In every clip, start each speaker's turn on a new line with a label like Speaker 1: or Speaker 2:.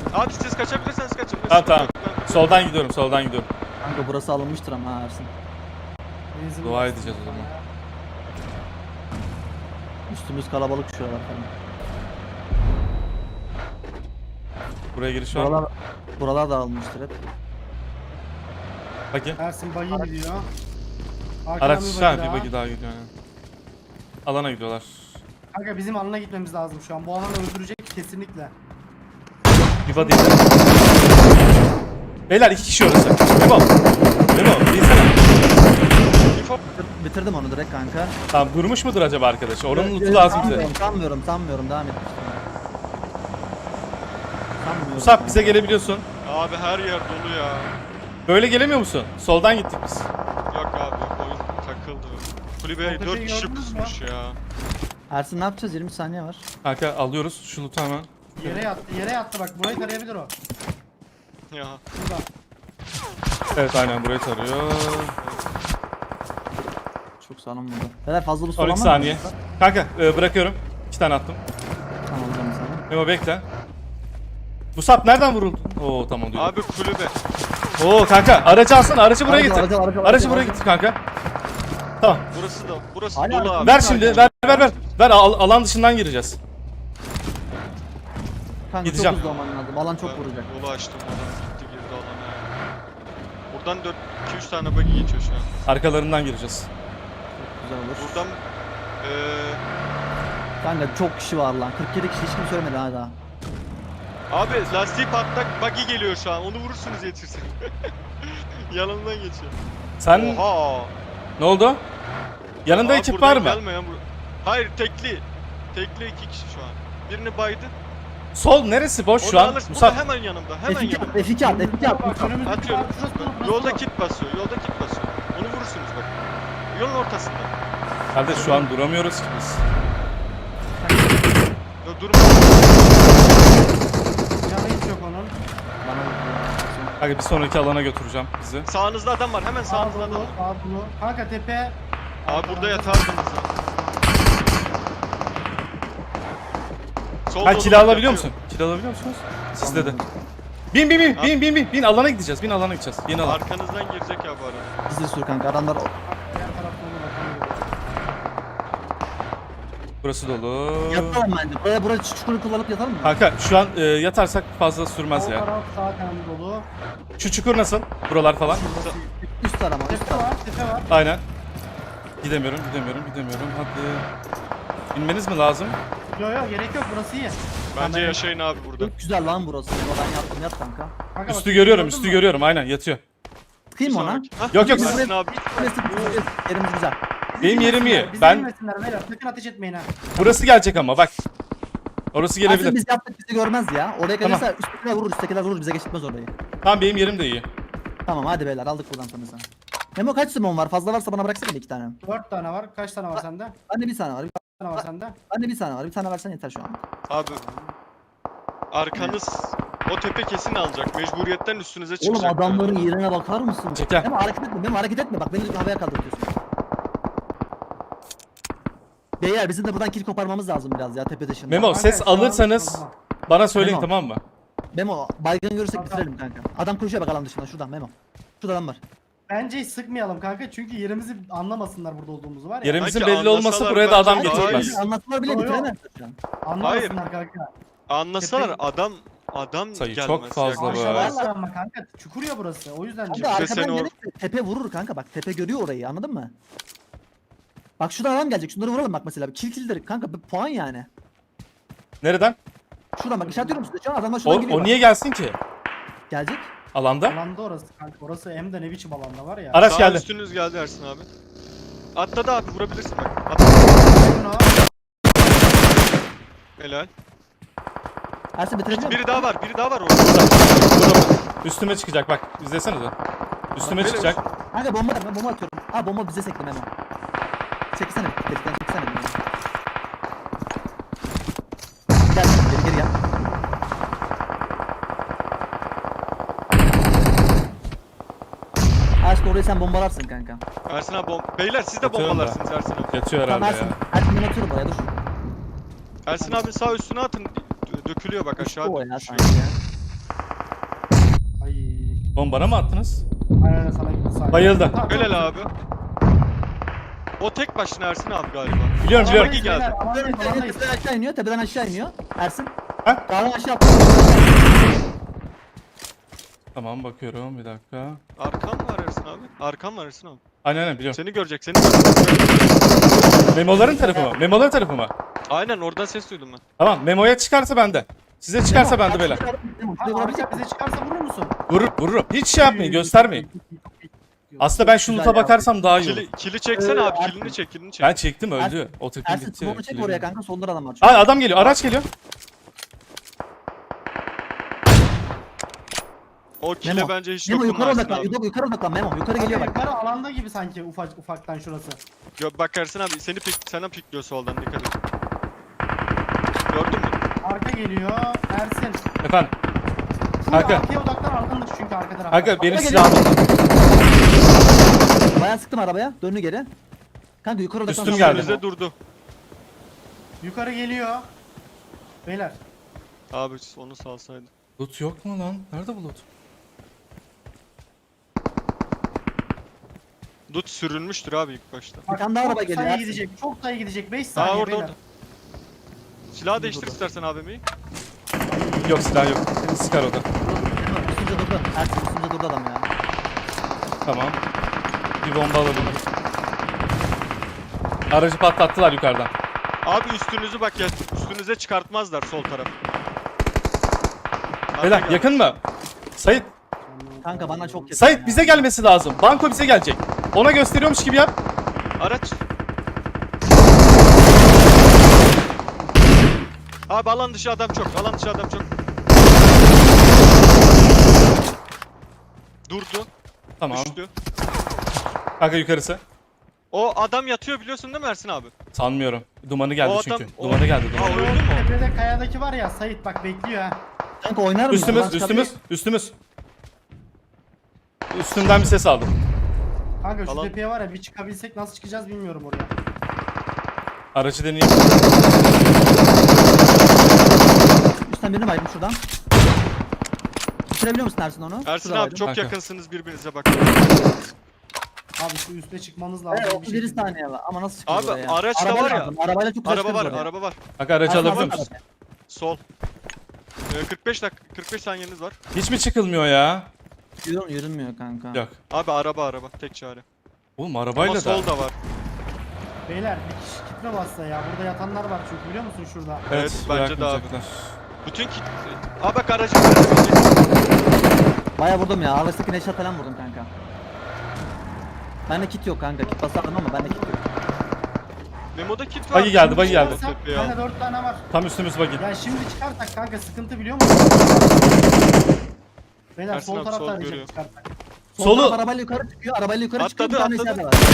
Speaker 1: Abi siz kaçabilirseniz kaçın.
Speaker 2: Tamam. Soldan gidiyorum, soldan gidiyorum.
Speaker 3: Kanka burası alınmıştır ama Ersin.
Speaker 4: Benzin
Speaker 2: Dua
Speaker 4: bastım
Speaker 2: edeceğiz o
Speaker 4: sana
Speaker 2: zaman.
Speaker 4: ya.
Speaker 3: Üstümüz kalabalık şu aralar falan.
Speaker 2: Buraya giriş var mı?
Speaker 3: Buralar da alınmıştır hep.
Speaker 2: Bakayım.
Speaker 4: Ersin bayı gidiyor. Arkadan
Speaker 2: Araç
Speaker 4: bir
Speaker 2: ha,
Speaker 4: bagi
Speaker 2: bir
Speaker 4: daha.
Speaker 2: bagi daha gidiyor yani. Alana gidiyorlar.
Speaker 4: Kanka bizim alana gitmemiz lazım şu an. Bu alan öldürecek kesinlikle.
Speaker 2: Bir body. Beyler 2 kişi orası. Memo. Memo, değilsene.
Speaker 3: Bitirdim onu direkt kanka.
Speaker 2: Tamam, durmuş mudur acaba arkadaş? Oranın lootu lazım bize.
Speaker 3: Sanmıyorum. Devam et. Sanmıyorum.
Speaker 2: Musab, bize gelebiliyorsun.
Speaker 1: Abi her yer dolu ya.
Speaker 2: Böyle gelemiyor musun? Soldan gittik biz.
Speaker 1: Yok abi oyun takıldı. Kulübeye
Speaker 4: Orada
Speaker 1: 4
Speaker 4: şey
Speaker 1: kişi
Speaker 4: gördünüz mü?
Speaker 1: pusmuş ya.
Speaker 3: Ersin ne yapacağız? 20 saniye var.
Speaker 2: Kanka alıyoruz şu loot'u hemen.
Speaker 4: Yere yattı bak. Burayı tarayabilir o.
Speaker 1: Ya.
Speaker 4: Burada.
Speaker 2: Evet aynen burayı tarıyor.
Speaker 3: Çok sağlam burada. Beyler fazla bu
Speaker 2: 12 saniye. Kanka bırakıyorum. 2 tane attım.
Speaker 3: Tamam hocam sana.
Speaker 2: Memo bekle. Musab nereden vuruldun? Oo tamam diyor.
Speaker 1: Abi kulübe.
Speaker 2: Oo kanka aracı alsana, aracı buraya
Speaker 3: Aracı,
Speaker 2: getir.
Speaker 3: aracı,
Speaker 2: Aracı buraya getir kanka. Tamam.
Speaker 1: Burası
Speaker 3: Hala
Speaker 1: dolu abi.
Speaker 2: Ver şimdi, ver. Ver alan dışından gireceğiz.
Speaker 3: Kanka
Speaker 2: Gideceğim.
Speaker 3: çok hızlı olman lazım. Alan çok vuracak.
Speaker 1: Yolu açtım. Adam gitti girdi alana ya. Buradan 2-3 tane buggy geçiyor şu an.
Speaker 2: Arkalarından gireceğiz.
Speaker 3: Güzel olur.
Speaker 1: Buradan
Speaker 3: Kanka çok kişi var lan. 47 kişi hiç kimse ölmedi ha daha.
Speaker 1: abi lastiği patlak buggy geliyor şu an. Onu vurursunuz yetişirse. Yanından geçiyor.
Speaker 2: Sen
Speaker 1: Oha.
Speaker 2: ne oldu? Yanında
Speaker 1: Abi
Speaker 2: ekip
Speaker 1: buradan
Speaker 2: var mı?
Speaker 1: Gelmeyen Hayır tekli. Tekli 2 kişi şu an. Birini baydı.
Speaker 2: Sol neresi boş şu
Speaker 1: Onu
Speaker 2: an?
Speaker 1: alırsın.
Speaker 2: Musab.
Speaker 1: Hemen yanımda. Hemen
Speaker 3: F2
Speaker 1: yanımda.
Speaker 3: at, F2 at, F2 at.
Speaker 4: Bak önümüzdeki
Speaker 1: Atıyorum.
Speaker 4: bak, şurası dolu, burası
Speaker 1: Yolda
Speaker 4: dolu.
Speaker 1: kit basıyor. Yolda kit basıyor. Onu vurursunuz bak. Yolun ortasında.
Speaker 2: Kardeş şu an duramıyoruz ki biz.
Speaker 1: Ya durma.
Speaker 4: Canı hiç yok onun.
Speaker 3: Bana bak.
Speaker 2: Kanka bir sonraki alana götüreceğim bizi.
Speaker 1: Sağınızda adam var. Hemen
Speaker 4: Sağ
Speaker 1: sağınızda adam
Speaker 4: dolu,
Speaker 1: var.
Speaker 4: sağ dolu. Kanka tepe.
Speaker 1: Abi burada yatardınız ya. Sol
Speaker 2: Ha
Speaker 1: dolu
Speaker 2: kill
Speaker 1: bak,
Speaker 2: alabiliyor
Speaker 1: yatıyor.
Speaker 2: musun? Kill alabiliyor musunuz? Sizde de. Bin alana gideceğiz. Bin alana gideceğiz. Yeni alan.
Speaker 1: Arkanızdan girecek ya bu arada.
Speaker 3: Hızlı sür kanka. Adamlar
Speaker 4: Diğer tarafta onu bakalım.
Speaker 2: Burası dolu.
Speaker 3: yatalım bence. Buraya çukuru kullanıp yatalım mı?
Speaker 2: Kanka şu an yatarsak fazla sürmez
Speaker 4: Sol
Speaker 2: ya.
Speaker 4: taraf zaten dolu.
Speaker 2: Şu çukur nasıl? Buralar falan.
Speaker 3: Üst tarama, üst
Speaker 4: Tepe
Speaker 3: tarama.
Speaker 4: var, tepe var.
Speaker 2: Aynen. Gidemiyorum. Hadi. Binmeniz mi lazım?
Speaker 4: Yok yok gerek yok burası iyi.
Speaker 1: Bence yaşayın abi burada.
Speaker 3: Çok güzel lan burası. Ben yaptım, yat kanka.
Speaker 4: Kanka
Speaker 2: Üstü
Speaker 4: bak,
Speaker 2: görüyorum,
Speaker 4: gördün
Speaker 2: üstü
Speaker 4: mü?
Speaker 2: görüyorum. Aynen yatıyor.
Speaker 3: Tıkayım mı ona?
Speaker 1: Sonraki. Hah,
Speaker 2: Yok, yok.
Speaker 1: Yasin abi.
Speaker 3: Yerimiz güzel.
Speaker 4: Bizi
Speaker 2: Benim yerim iyi.
Speaker 4: Bizi
Speaker 2: Ben
Speaker 4: bilmesinler beyler. Sakın ateş etmeyin ha.
Speaker 2: burası gelecek ama bak. Orası
Speaker 3: Aslında
Speaker 2: gelebilir.
Speaker 3: biz yaptık bizi görmez ya. Oraya
Speaker 2: Tamam.
Speaker 3: gelirse üsttekiler vurur bize geçitmez orayı.
Speaker 2: Tamam benim yerim de iyi.
Speaker 3: Tamam hadi beyler aldık buradan tanıza. Memo kaç simon var? Fazla varsa bana bıraksana 2 tane.
Speaker 4: 4 tane var. Kaç tane var sende?
Speaker 3: Bende bir tane var.
Speaker 4: Bir tane var sende.
Speaker 3: Bende bir tane var. Bir tane versen yeter şu an.
Speaker 1: Abi. Arkanız o tepe kesin alacak. Mecburiyetten üstünüze
Speaker 3: Oğlum
Speaker 1: çıkacak.
Speaker 3: adamların yerine bakar mısın?
Speaker 2: Çeker.
Speaker 3: Memo hareket etme. Bak beni havaya kaldırıyorsun. Beyler bizim de buradan kill koparmamız lazım biraz ya tepe dışında.
Speaker 2: Memo
Speaker 4: Kanka,
Speaker 2: ses
Speaker 4: şu an-
Speaker 2: alırsanız bana söyleyin
Speaker 3: Memo.
Speaker 2: tamam mı?
Speaker 3: Memo baygın görürsek
Speaker 4: Tamam.
Speaker 3: bitirelim kanka. Adam koşuyor bak alan dışından şuradan Memo. Şurada adam var.
Speaker 4: Bence hiç sıkmayalım kanka çünkü yerimizi anlamasınlar burada olduğumuzu var ya.
Speaker 2: Yerimizin
Speaker 1: Belki
Speaker 2: belli olması
Speaker 1: anlasalar
Speaker 2: buraya da adam
Speaker 1: bence daha
Speaker 2: getirmez.
Speaker 1: iyi.
Speaker 3: Anlatmalar bile
Speaker 4: Yo, yo.
Speaker 3: bitiremez şu an.
Speaker 4: Anlamasınlar kanka.
Speaker 1: Anlasalar
Speaker 4: Tepe-
Speaker 1: adam
Speaker 2: Sayı
Speaker 1: gelmez.
Speaker 2: çok fazla
Speaker 1: yaklaşamaz.
Speaker 2: bu.
Speaker 4: Aşağılarlar ama kanka çukur ya burası o yüzden
Speaker 3: Kanka
Speaker 4: diyorum.
Speaker 1: Sen
Speaker 3: arkadan
Speaker 1: o-
Speaker 3: gelirse tepe vurur kanka bak tepe görüyor orayı anladın mı? Bak şuradan adam gelecek şunları vuralım bak mesela kill kanka bir puan yani.
Speaker 2: Nereden?
Speaker 3: Şuradan bak işaretliyorum size şu an adamlar şuradan geliyor
Speaker 2: O
Speaker 3: bak.
Speaker 2: niye gelsin ki?
Speaker 3: Gelecek.
Speaker 2: Alanda.
Speaker 4: Alanda orası kanka orası hem de ne biçim alanda var ya.
Speaker 2: Araç
Speaker 1: Sağ
Speaker 2: geldi.
Speaker 1: üstünüz geldi Ersin abi. Atladı abi vurabilirsin bak. Atladı.
Speaker 4: Şunu-
Speaker 1: Helal.
Speaker 3: Ersin bitirebiliyor
Speaker 1: Biri
Speaker 3: musun?
Speaker 1: daha var orada.
Speaker 2: Burada. Üstüme çıkacak bak. İzlesenize. Üstüme
Speaker 1: Bak,
Speaker 2: çıkacak.
Speaker 3: Kanka bomba ben bomba atıyorum. Ha bomba bize sekti Memo. Çekilsene delikten çekilsene. Gel geri gel. Ersin orayı sen bombalarsın kanka.
Speaker 1: Ersin abi beyler siz de
Speaker 2: Atıyorum da.
Speaker 1: bombalarsınız Ersin abi.
Speaker 2: Yatıyor
Speaker 3: Tamam
Speaker 2: herhalde
Speaker 3: Ersin.
Speaker 2: ya.
Speaker 3: Ersin ben atıyorum oraya dur.
Speaker 1: Ersin abi sağ üstüne atın. Dökülüyor bak aşağı
Speaker 3: O ya
Speaker 1: düşüyor.
Speaker 3: sanki ya.
Speaker 2: Oğlum bana mı attınız?
Speaker 4: Aynen sana gitti sağ.
Speaker 2: Bayıldı.
Speaker 4: Tamam,
Speaker 1: Helal
Speaker 4: tamam.
Speaker 1: abi. O tek başına Ersin abi galiba.
Speaker 2: Biliyorum biliyorum.
Speaker 1: Bagi geldi.
Speaker 4: Beyler, alandayız, alandayız.
Speaker 3: Tepeden aşağı iniyor. Tepeden aşağı iniyor. Ersin.
Speaker 2: Ha?
Speaker 3: Dağdan aşağı attı.
Speaker 2: Tamam bakıyorum bir dakika.
Speaker 1: Arkam var Ersin abi. Arkam var Ersin abi.
Speaker 2: Aynen biliyorum.
Speaker 1: Seni görecek, seni görecek.
Speaker 2: Memoların tarafı mı? Memoların tarafı mı?
Speaker 1: Aynen oradan ses duydum ben.
Speaker 2: Tamam memoya çıkarsa bende. Size çıkarsa bende beyler.
Speaker 3: Memo,
Speaker 4: Ha,
Speaker 3: şuraya vurabilecek
Speaker 4: Arka bize çıkarsa vurur musun?
Speaker 2: Vururum. Hiç şey yapmayın göstermeyin. Aslında ben şu
Speaker 3: Güzel
Speaker 2: loot'a
Speaker 3: ya.
Speaker 2: bakarsam daha iyi olur.
Speaker 1: Kili çeksene abi,
Speaker 3: Ersin.
Speaker 1: kilini çek, kilini çek.
Speaker 2: Ben çektim öldü. O takım
Speaker 3: Ersin
Speaker 2: gitti.
Speaker 3: smoke'u çek
Speaker 2: Kili
Speaker 3: oraya
Speaker 2: öldü.
Speaker 3: kanka. Solda adam var. çünkü.
Speaker 2: Aa adam geliyor. Araç geliyor.
Speaker 1: O kile
Speaker 3: Memo.
Speaker 1: bence hiç
Speaker 3: Memo yukarı
Speaker 1: dokunma
Speaker 3: odaklan.
Speaker 1: Ersin abi.
Speaker 3: Yukarı odaklan Memo. Yukarı geliyor bak.
Speaker 4: Yukarı alanda gibi sanki ufaktan şurası.
Speaker 1: Bak Ersin abi sana pikliyor soldan, dikkat et. Gördün mü?
Speaker 4: Arka geliyor. Ersin.
Speaker 2: Efendim.
Speaker 4: Full
Speaker 2: Kanka.
Speaker 4: arkaya odaklan arkandır çünkü arka tarafta.
Speaker 2: Kanka benim
Speaker 3: Araba
Speaker 2: silahım.
Speaker 3: Bayağı sıktım arabaya. Döndü geri. Kanka yukarı odaklan.
Speaker 2: Üstüm
Speaker 3: sonra
Speaker 2: geldi.
Speaker 3: Memo.
Speaker 1: Bize durdu.
Speaker 4: Yukarı geliyor. Beyler.
Speaker 1: Abi onu salsaydı.
Speaker 2: Loot yok mu lan? Nerede bu loot?
Speaker 1: Dut sürünmüştür abi ilk başta.
Speaker 3: Bir tane daha araba
Speaker 4: çok
Speaker 3: geliyor,
Speaker 4: sayı
Speaker 3: Ersin.
Speaker 4: gidecek. Çok sayı gidecek. 5
Speaker 1: Aa
Speaker 4: saniye
Speaker 1: orada
Speaker 4: beyler.
Speaker 1: orada. Silahı değiştir istersen abimi.
Speaker 2: Yok silah yok. Sıkar o da.
Speaker 3: Üstünce durdu. Ersin üstünce durdu adam ya.
Speaker 2: Tamam. Bir bomba alabilirim. Aracı patlattılar yukarıdan.
Speaker 1: Abi üstünüzü bak ya, üstünüze çıkartmazlar sol taraf.
Speaker 2: Beyler
Speaker 1: Arka
Speaker 2: yakın mı? Sait.
Speaker 3: Kanka bana çok yakın.
Speaker 2: Sait
Speaker 3: ya.
Speaker 2: bize gelmesi lazım. Banko bize gelecek. Ona gösteriyormuş gibi yap.
Speaker 1: Araç. Abi alan dışı adam çok. Alan dışı adam çok. Durdu.
Speaker 2: Tamam.
Speaker 1: Düştü.
Speaker 2: Kanka yukarısı.
Speaker 1: O adam yatıyor biliyorsun değil mi Ersin abi?
Speaker 2: Sanmıyorum. Dumanı geldi
Speaker 1: O adam-
Speaker 2: çünkü.
Speaker 1: o-
Speaker 2: Dumanı geldi.
Speaker 1: Aa,
Speaker 2: Dumanı.
Speaker 1: öldü mü o?
Speaker 4: Tepede kayadaki var ya Sait bak bekliyor ha.
Speaker 3: Kanka oynar mısın?
Speaker 2: Üstümüz,
Speaker 3: Oradan
Speaker 2: üstümüz,
Speaker 3: çıkabilir-
Speaker 2: üstümüz. Üstümden bir ses aldım.
Speaker 4: Kanka şu
Speaker 1: Alan-
Speaker 4: tepeye var ya bir çıkabilsek nasıl çıkacağız bilmiyorum oraya.
Speaker 2: Aracı deneyeyim.
Speaker 3: Üstten birini baydım şuradan. Bitirebiliyor musun Ersin onu?
Speaker 1: Ersin
Speaker 3: Şurada
Speaker 1: abi
Speaker 3: baydım.
Speaker 1: çok
Speaker 2: Kanka.
Speaker 1: yakınsınız birbirinize bak.
Speaker 4: Abi şu üste çıkmanız lazım.
Speaker 3: Evet
Speaker 4: bir
Speaker 3: 31
Speaker 4: şekilde.
Speaker 3: saniye var ama nasıl çıkacağız
Speaker 1: Abi,
Speaker 3: oraya?
Speaker 1: araç da
Speaker 3: Arabayla
Speaker 1: var ya.
Speaker 3: lazım, Arabayla çok güzel
Speaker 1: Araba var,
Speaker 3: çıkarız oraya.
Speaker 1: araba var.
Speaker 2: Kanka aracı
Speaker 3: Ersin,
Speaker 2: alabiliyor
Speaker 3: alsana
Speaker 2: musun?
Speaker 3: arabayı.
Speaker 1: Sol. 45 saniyeniz var.
Speaker 2: Hiç mi çıkılmıyor ya?
Speaker 3: Yürünmüyor kanka.
Speaker 2: Yok.
Speaker 1: Abi araba tek çare.
Speaker 2: Oğlum
Speaker 1: Ama
Speaker 2: arabayla da.
Speaker 1: sol da var.
Speaker 4: Beyler bir kişi gitme bassa ya. Burada yatanlar var çünkü biliyor musun şurada?
Speaker 1: Evet, bence de abi.
Speaker 2: bırakmayacaklar.
Speaker 1: Bütün kit... Abi bak aracı.
Speaker 3: Baya vurdum ya. Arasındaki neşat falan vurdum kanka. Bende kit yok kanka. Kit basardım ama bende kit yok.
Speaker 1: Memo'da kit var.
Speaker 2: Bagi geldi, bagi geldi.
Speaker 4: Çıkarsak,
Speaker 1: Tepeye al.
Speaker 4: Kanka 4 tane var.
Speaker 2: Tam üstümüz buggy.
Speaker 4: Ya şimdi çıkarsak kanka sıkıntı biliyor musun? Beyler
Speaker 1: Ersin
Speaker 4: sol
Speaker 1: abi,
Speaker 4: tarafta
Speaker 1: sol
Speaker 4: arayacak
Speaker 1: görüyor.
Speaker 4: çıkarsak.
Speaker 3: Sol
Speaker 2: Solu-
Speaker 3: taraf arabayla yukarı çıkıyor. Arabayla yukarı çıkıyor. Bir
Speaker 1: Atladı,
Speaker 3: tane
Speaker 1: atladı.
Speaker 3: içeride var.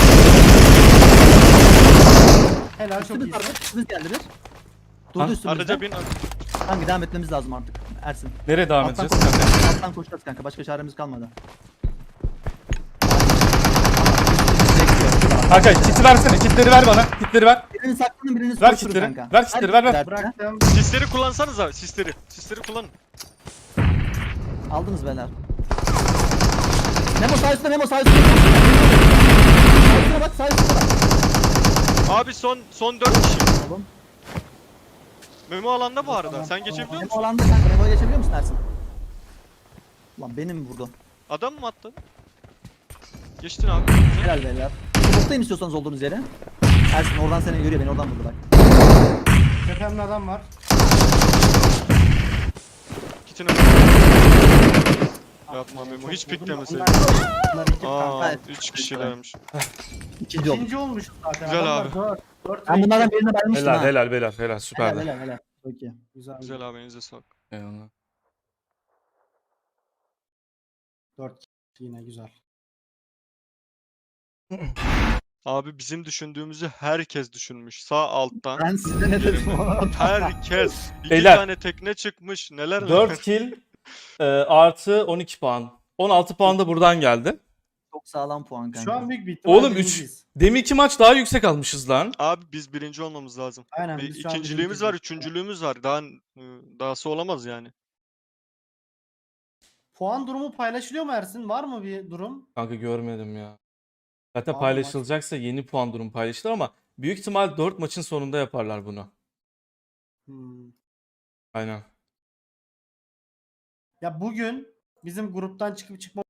Speaker 4: Helal çok
Speaker 3: Üstümüz
Speaker 4: iyisin.
Speaker 3: var. Üstümüz geldi bir.
Speaker 2: Ha,
Speaker 3: Durdu üstümüzde.
Speaker 1: Araca bin.
Speaker 3: Kanka devam etmemiz lazım artık. Ersin.
Speaker 2: Nereye devam
Speaker 3: Alttan
Speaker 2: edeceğiz?
Speaker 3: koşacağız. Alttan koşacağız kanka. Başka çaremiz kalmadı.
Speaker 2: Kanka kiti versene. Kitleri ver bana. Kitleri ver.
Speaker 3: Birini saklanın birini
Speaker 2: Ver
Speaker 3: koşturun
Speaker 2: kitleri.
Speaker 3: kanka.
Speaker 2: Ver kitleri, ver, ver.
Speaker 3: Ver.
Speaker 4: Bıraktım.
Speaker 1: Sisleri kullansanız abi, sisleri. Sisleri kullanın.
Speaker 3: Aldınız beyler. Memo sağ üstte, Memo sağ üstte. Sağ üstüne bak, sağ üstüne bak.
Speaker 1: Abi son 4 kişi.
Speaker 3: Oğlum.
Speaker 1: Memo alanda bu arada. Sen geçebiliyor
Speaker 3: Memo
Speaker 1: musun?
Speaker 3: alanda kanka. Memo'ya geçebiliyor musun Ersin? Lan benim mi vurdu?
Speaker 1: Adam mı attı? Geçtin abi.
Speaker 3: Helal beyler. Smoke'tayım istiyorsanız olduğunuz yere. Ersin oradan seni görüyor, beni oradan vurdu bak.
Speaker 4: Tepemde adam var.
Speaker 1: Kitine. Yapma Memo. Hiç
Speaker 4: Bunlar-
Speaker 1: piklemeseydin.
Speaker 4: Bunlar iki
Speaker 1: Aa,
Speaker 3: Evet.
Speaker 1: 3 kişilermiş.
Speaker 3: İkinci oldu.
Speaker 4: İkinci olmuşuz zaten.
Speaker 1: Güzel
Speaker 4: Adamlar
Speaker 1: abi.
Speaker 4: dört
Speaker 3: Ben
Speaker 4: ve
Speaker 3: bunlardan
Speaker 4: iki.
Speaker 3: birine vermiştim
Speaker 2: Helal
Speaker 3: ha.
Speaker 2: helal helal helal
Speaker 3: Helal
Speaker 2: süperdi.
Speaker 3: helal helal. Çok iyi.
Speaker 4: Güzel.
Speaker 1: Güzel abi, elinize sağlık.
Speaker 2: Eyvallah.
Speaker 4: 4 yine güzel.
Speaker 1: Abi bizim düşündüğümüzü herkes düşünmüş. Sağ alttan.
Speaker 3: Ben size ne dedim oğlum?
Speaker 1: Herkes. 2
Speaker 2: Beyler.
Speaker 1: tane tekne çıkmış. Neler
Speaker 2: 4 kill artı 12 puan. 16 puan da buradan geldi.
Speaker 3: Çok sağlam puan kanka.
Speaker 4: Şu an büyük bir ihtimal
Speaker 2: Oğlum 3.
Speaker 4: birinciyiz.
Speaker 2: Deminki maç daha yüksek almışız lan.
Speaker 1: Abi biz birinci olmamız lazım.
Speaker 4: Aynen.
Speaker 1: Bir
Speaker 4: biz şu an
Speaker 1: ikinciliğimiz var,
Speaker 4: birinciyiz.
Speaker 1: üçüncülüğümüz var. Dahası olamaz yani.
Speaker 4: Puan durumu paylaşılıyor mu Ersin? Var mı bir durum?
Speaker 2: Kanka görmedim ya. Zaten
Speaker 4: Abi
Speaker 2: paylaşılacaksa yeni puan durum paylaşılır ama büyük ihtimal 4 maçın sonunda yaparlar bunu.
Speaker 4: Hmm.
Speaker 2: Aynen.
Speaker 4: Ya bugün bizim gruptan çıkıp çıkma